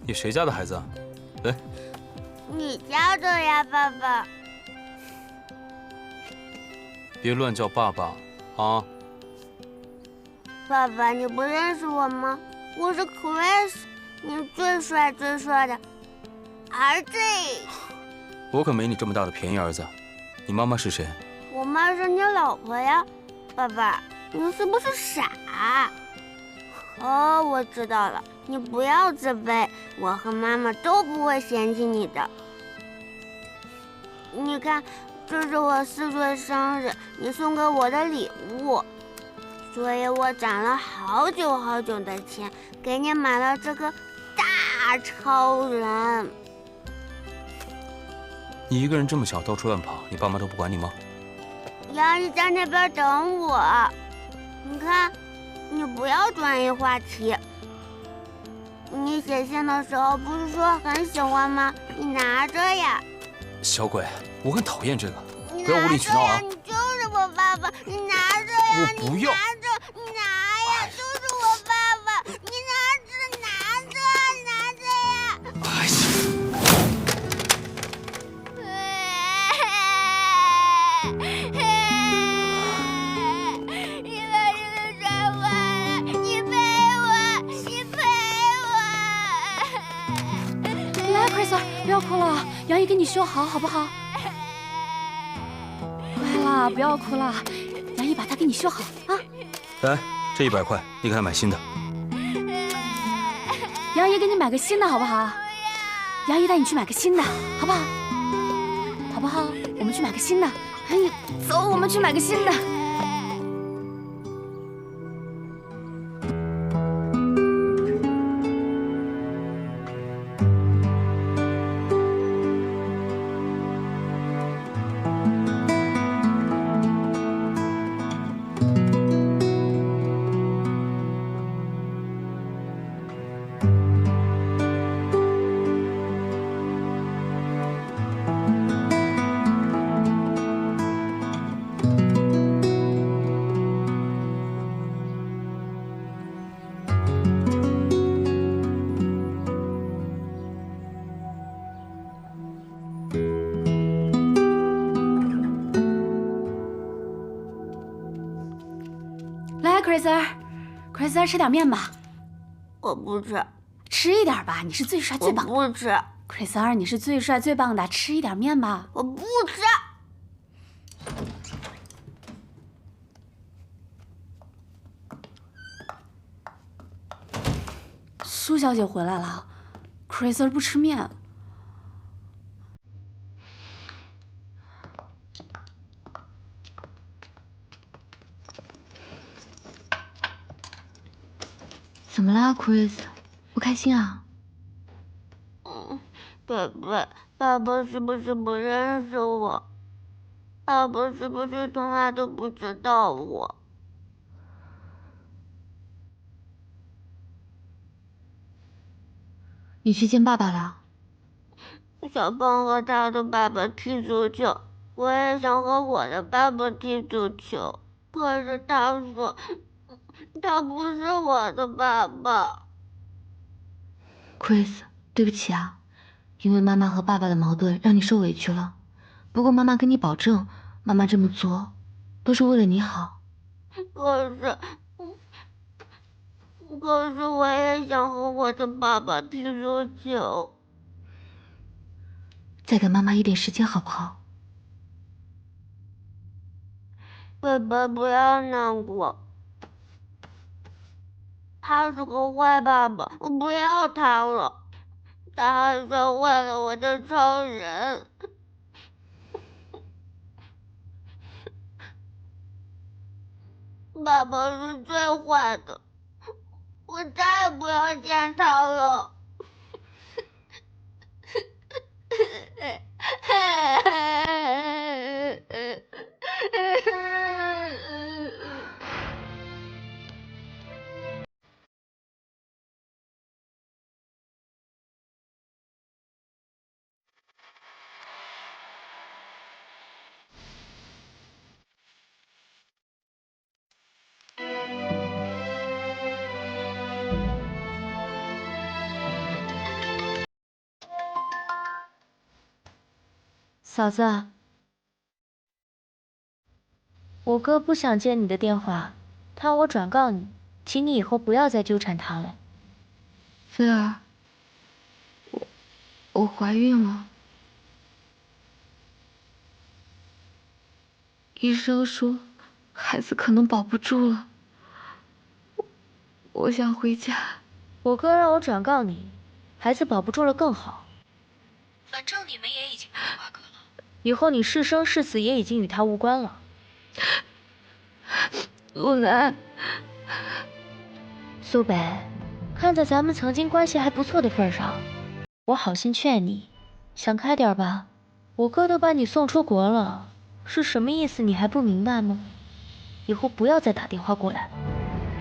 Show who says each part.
Speaker 1: 你谁家的孩子啊？来，
Speaker 2: 你家的呀，爸爸。
Speaker 1: 别乱叫爸爸啊！
Speaker 2: 爸爸，你不认识我吗？我是 Chris， 你最帅最帅的儿子。
Speaker 1: 我可没你这么大的便宜儿子。你妈妈是谁？
Speaker 2: 我妈是你老婆呀。爸爸，你是不是傻？哦，我知道了，你不要自卑，我和妈妈都不会嫌弃你的。你看，这是我4岁生日你送给我的礼物，所以我攒了好久好久的钱，给你买了这个大超人。
Speaker 1: 你一个人这么小，到处乱跑，你爸妈都不管你吗？
Speaker 2: 杨姨在那边等我。你看，你不要转移话题。你写信的时候不是说很喜欢吗？你拿着呀。
Speaker 1: 小鬼，我很讨厌这个，
Speaker 2: 你
Speaker 1: 不要无理取闹啊！
Speaker 2: 你就是我爸爸，你拿着呀！
Speaker 1: 我不要。
Speaker 2: 你拿呀！就是我爸爸，你拿着呀！
Speaker 1: 哎呀！
Speaker 2: 你把这个摔坏了，你赔我！
Speaker 3: 来 ，Chris， 不要哭了，杨姨给你修好，好不好？乖啦，不要哭了，杨姨把它给你修好啊。
Speaker 1: 来，这100块，你给他买新的。
Speaker 3: 杨姨给你买个新的，好不好？杨姨带你去买个新的，好不好？好不好？我们去买个新的。哎，走，我们去买个新的。来 ，Chris， 吃点面吧。
Speaker 2: 我不吃。
Speaker 3: 吃一点吧，你是最帅最棒的。
Speaker 2: 我不吃。
Speaker 3: Chris， 你是最帅最棒的，吃一点面吧。
Speaker 2: 我不吃。
Speaker 3: 苏小姐回来了 ，Chris 不吃面。
Speaker 4: 怎么啦 ，Chris？ 不开心啊？
Speaker 2: 爸爸是不是不认识我？爸爸是不是从来都不知道我？
Speaker 4: 你去见爸爸了？
Speaker 2: 小胖和他的爸爸踢足球，我也想和我的爸爸踢足球，可是他说他不是我的爸爸。
Speaker 4: Chris， 对不起啊，因为妈妈和爸爸的矛盾让你受委屈了。不过妈妈跟你保证，妈妈这么做都是为了你好。
Speaker 2: 可是我也想和我的爸爸踢足球。
Speaker 4: 再给妈妈一点时间好不好？
Speaker 2: 爸爸不要难过，他是个坏爸爸，我不要他了。他还摔坏了我的超人。爸爸是最坏的，我再也不要见他了。
Speaker 4: 嫂子，我哥不想接你的电话，他让我转告你，请你以后不要再纠缠他了。菲儿，我怀孕了，医生说孩子可能保不住了，我想回家。我哥让我转告你，孩子保不住了更好。反正你们也已经没有瓜葛了，以后你是生是死也已经与他无关了。陆南，苏北，看在咱们曾经关系还不错的份上，我好心劝你，想开点吧。我哥都把你送出国了，是什么意思你还不明白吗？以后不要再打电话过来了。